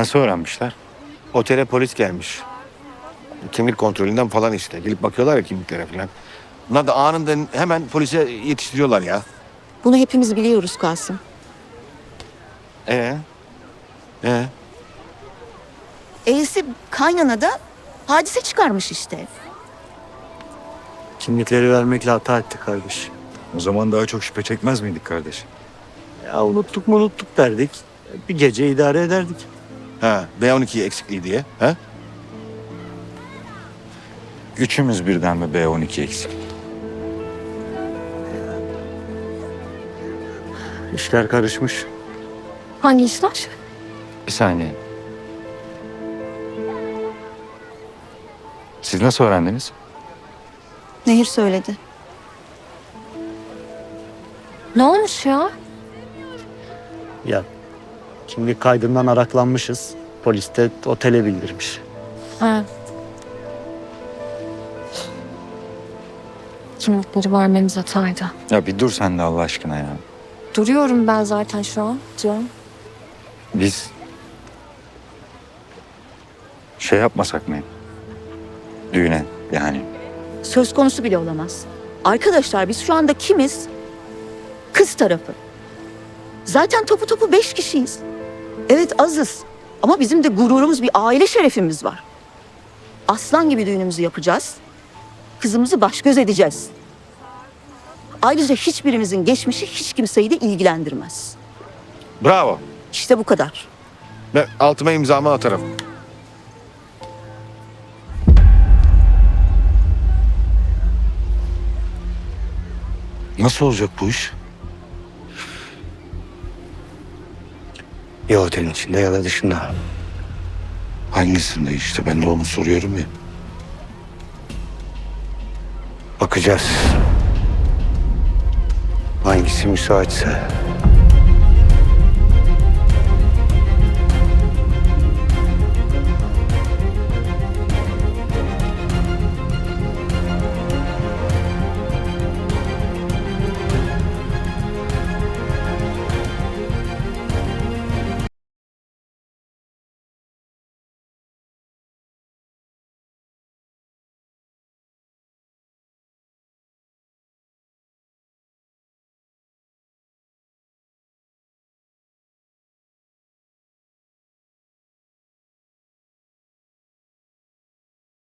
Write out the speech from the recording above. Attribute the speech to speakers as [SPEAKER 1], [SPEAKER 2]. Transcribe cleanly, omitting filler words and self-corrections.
[SPEAKER 1] Nasıl öğrenmişler?
[SPEAKER 2] Otele polis gelmiş. Kimlik kontrolünden falan işte. Gelip bakıyorlar ya kimliklere falan. Bunlar da anında hemen polise yetiştiriyorlar ya.
[SPEAKER 3] Bunu hepimiz biliyoruz Kasım.
[SPEAKER 2] Ee? Ee?
[SPEAKER 3] E'si kaynana da hadise çıkarmış işte.
[SPEAKER 4] Kimlikleri vermekle hata ettik kardeş.
[SPEAKER 1] O zaman daha çok şüphe çekmez miydik kardeş?
[SPEAKER 4] Ya unuttuk mu unuttuk derdik. Bir gece idare ederdik.
[SPEAKER 2] Ha, B12 eksikliği diye. Ha?
[SPEAKER 1] Üçümüz birden mi B12 eksik?
[SPEAKER 4] İşler karışmış.
[SPEAKER 5] Hangi işler?
[SPEAKER 1] Bir saniye. Siz nasıl öğrendiniz?
[SPEAKER 3] Nehir söyledi.
[SPEAKER 5] Ne olmuş ya?
[SPEAKER 4] Ya kimlik kaydından araklanmışız. Polis de otele bildirmiş.
[SPEAKER 5] Ha. Kimlikleri vermemiz hataydı.
[SPEAKER 1] Ya bir dur sen de Allah aşkına ya.
[SPEAKER 5] Duruyorum ben zaten şu an canım.
[SPEAKER 1] Biz şey yapmasak mı? Düğüne yani.
[SPEAKER 3] Söz konusu bile olamaz. Arkadaşlar biz şu anda kimiz? Kız tarafı. Zaten topu topu 5 kişiyiz. Evet azız. Ama bizim de gururumuz, bir aile şerefimiz var. Aslan gibi düğünümüzü yapacağız. Kızımızı baş göz edeceğiz. Ayrıca hiçbirimizin geçmişi hiç kimseyi de ilgilendirmez.
[SPEAKER 2] Bravo.
[SPEAKER 3] İşte bu kadar.
[SPEAKER 2] Ben altıma imzamı atarım.
[SPEAKER 6] Nasıl olacak bu iş? Ya otelin içinde ya da dışında.
[SPEAKER 2] Hangisinde işte ben de onu soruyorum ya.
[SPEAKER 6] Bakacağız. Hangisi müsaitse.